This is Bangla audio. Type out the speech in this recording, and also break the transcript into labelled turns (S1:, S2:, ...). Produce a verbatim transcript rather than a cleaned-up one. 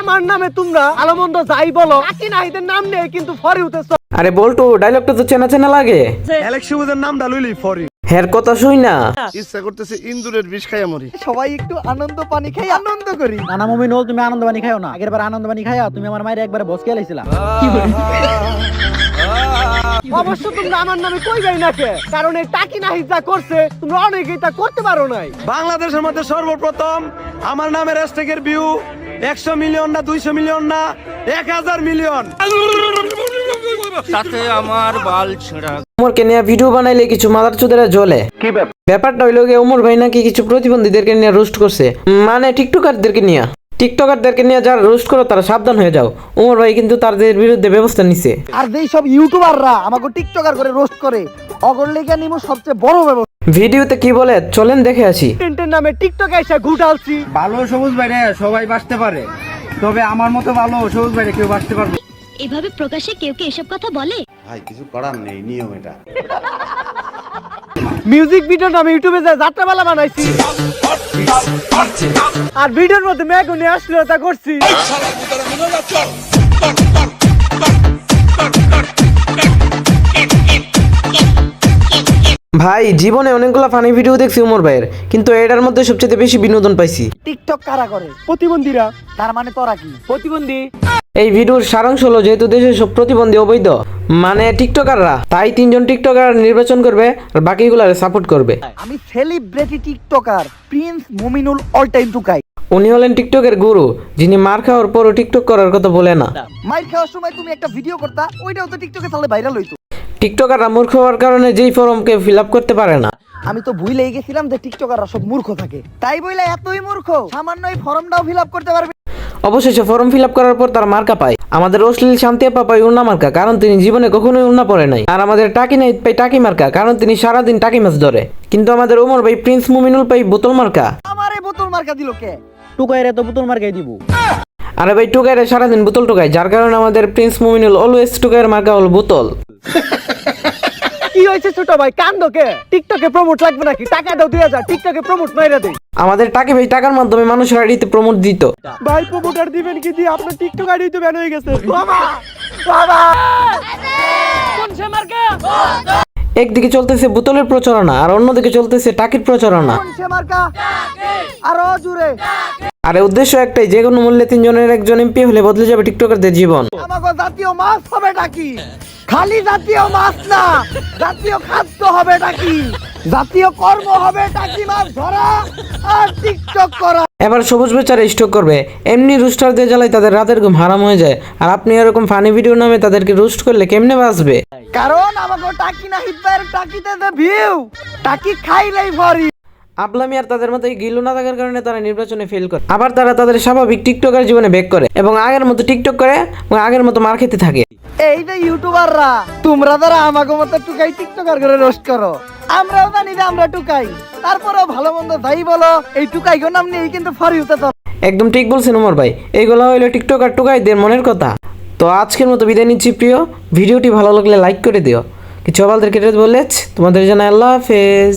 S1: আমার নামে তোমরা ভালো মন্দ যাই বলো, টাকি নাহিদের নাম নেই কিন্তু ফরি উঠেছ।
S2: আরে বল্টু, ডায়লগটা তো চেনা চেনা লাগে।
S3: ইলেকশনের নাম ডালুইলি ফরি।
S2: হের কথা শুই না,
S3: ইচ্ছা করতেছে ইন্দুরের বিষ খাইয়া মরি।
S1: সবাই একটু আনন্দ পানি খাই আনন্দ করি।
S4: নানা মুমিনুল, তুমি আনন্দ পানি খাও না। আগের বার আনন্দ পানি খাইয়া তুমি আমার মায়ের একবারে বস খেয়ে লাইছিলা।
S1: অবশ্য তোমরা আমার নামে কই যাই না কে, কারণ এই টাকি নাহি যা করছে তোমরা অনেকেই তা করতে পারো নাই।
S3: বাংলাদেশের মধ্যে সর্বপ্রথম আমার নামে হ্যাশট্যাগের ভিউ একশো মিলিয়ন না দুইশো মিলিয়ন না এক হাজার মিলিয়ন।
S5: তাতে আমার বাল ছেঁড়া।
S2: উমরকে নিয়ে ভিডিও বানাইলে কিছু মাদার চোদেরা জ্বলে। কি ব্যাপারটা হইলো গিয়ে, উমর ভাই নাকি কিছু প্রতিবন্ধীদেরকে নিয়ে রোস্ট করছে, মানে টিকটকারদেরকে নিয়ে। টিকটকারদেরকে নিয়ে যারা রোস্ট করো তারা সাবধান হয়ে যাও। উমর ভাই কিন্তু তাদের বিরুদ্ধে ব্যবস্থা নিছে।
S1: আর যেই সব ইউটিউবাররা আমাকে টিকটকার করে রোস্ট করে, অগরলেখা নিমো সবচেয়ে বড় ব্যবস্থা।
S2: ভিডিওতে কি বলে চলেন দেখে আসি।
S1: টেন্টের নামে টিকটকে এসে ঘুটালছি।
S6: ভালো সবুজ বাইরে সবাই বাঁচতে পারে, তবে আমার মতো ভালো সবুজ বাইরে কেউ বাঁচতে পারবে।
S7: এভাবে প্রকাশ্যে কেউ কি এসব কথা বলে?
S8: ভাই কিছু করার নেই, নিয়ম এটা।
S1: মিউজিক ভিডিও আমি ইউটিউবে যা যাত্রাপালা বানাইছি, আর ভিডিওর মধ্যে মেঘুনি অশ্লীলতা করছি।
S2: ভাই জীবনে অনেকগুলো ফানি ভিডিও দেখছি উমর ভাইয়ের, কিন্তু এটার মধ্যে সবচেয়ে বেশি বিনোদন পাইছি।
S1: টিকটক কারা করে? প্রতিবন্ধীরা। তার মানে তোরা কি প্রতিবন্ধী?
S2: এই ভিডিওর সারাংশ হলো, যেহেতু দেশে সব প্রতিবন্ধী অবৈধ, মানে টিকটকাররা, তাই তিনজন টিকটকার নির্বাচন করবে আর বাকিগুলারে সাপোর্ট করবে।
S1: আমি celebrity TikToker prince Muminul all time Tukai.
S2: উনি হলেন টিকটকের গুরু, যিনি মার খাওয়ার পরও টিকটক করার কথা বলে না।
S1: মাইর খাওয়ার সময় তুমি একটা ভিডিও করতা, ওইটাও তো টিকটকে তাহলে ভাইরাল হইতো।
S2: টিকটকাররা মূর্খ হওয়ার কারণে যেই ফর্মকে ফিল আপ করতে পারে না।
S1: আমি তো ভুলেই গেছিলাম যে টিকটকাররা সব মূর্খ থাকে, তাই বইলা এতই মূর্খ সামান্য এই ফর্মটাও ফিল আপ করতে পারবে।
S2: অবশেষে ফর্ম ফিল আপ করার পর তার মার্কা পায়। আমাদের অশ্লীল শান্তি আপা পায় উন্না মার্কা, কারণ তিনি জীবনে কখনোই উন্না পড়ে নাই। আর আমাদের টাকি নাহিদ পাই টাকি মার্কা, কারণ তিনি সারাদিন টাকি মাছ ধরে। কিন্তু আমাদের ওমর ভাই প্রিন্স মুমিনুল পাই বোতল মার্কা।
S1: আমারে বোতল মার্কা দিল কে?
S4: টুকাইরে তো পুতুল মার্কাই দিব।
S2: আরে ভাই টুকাইরে সারাদিন বোতল টুকায়, যার কারণে আমাদের প্রিন্স মুমিনুল অলওয়েজ টুকাইয়ের মার্কা হল বোতল।
S1: কি হয়েছে ছোট ভাই, কান্দো কে? টিকটকে প্রমোট লাগবে নাকি? টাকা দাও দুই হাজার, টিকটকে প্রমোট মাইরা দেই।
S2: আমাদের টাকি ভাই টাকার মাধ্যমে মানুষের আইডিতে প্রমোট দিত।
S1: ভাই প্রমোটার দিবেন কি দিয়ে আপনার টিকটক আইডি তো ব্যান হয়ে গেছে। বাবা বাবা কোন সে মার্কা?
S2: একদিকে চলতেছে বোতলের প্রচারণা আর অন্যদিকে চলতেছে টাকির প্রচারণা।
S1: কোন সে মার্কা? আরো জোরে।
S2: আরে উদ্দেশ্য একটাই, যে কোনো মূল্যে তিনজনের একজন এমপি হলে বদলে যাবে টিকটকারদের জীবন।
S1: আমাগো জাতীয় মাছ হবে নাকি? খালি জাতীয় মাছ না, জাতীয় খাদ্য হবে নাকি? জাতীয় কর্ম হবে টাকি মাছ ধরা আর টিকটক করা।
S2: এবার সবুজ বেচারা স্টক করবে, এমনি রুস্টার দিয়ে জ্বালাই তাদের রাতের ঘুম হারাম হয়ে যায়। আর আপনি এরকম ফানি ভিডিও নামে তাদেরকে রোস্ট করলে কেমনে বাঁচবে?
S1: কারণ আমাগো টাকি না হিটবার টাকিতে দে ভিউ, টাকি খাইলেই ভরি।
S2: আপলামি আর তাদের মতো গিলু না থাকার কারণে তারা নির্বাচনে ফেল করে। আবার তারা তাদের স্বাভাবিক টিকটকার জীবনে ব্যাক করে এবং আগের মতো টিকটক করে এবং আগের মতো মার খেতে থাকে।
S1: এই যে ইউটিউবাররা, তোমরা যারা আমাগো মতো টুকাই টিকটকার করে রোস্ট করো, আমরাও জানি যে আমরা টুকাই, তারপরেও ভালো মন্দ যাই বলো, এই টুকাই গো নাম নেই কিন্তু ফরি হতে তো।
S2: একদম ঠিক বলছেন উমর ভাই, এইগুলো হইলো টিকটক আর টুকাইদের মনের কথা। তো আজকের মতো বিদায় নিচ্ছি প্রিয়। ভিডিওটি ভালো লাগলে লাইক করে দিও। কিছু আবালদের কেটে বলেছ, তোমাদের জানাই আল্লাহ হাফেজ।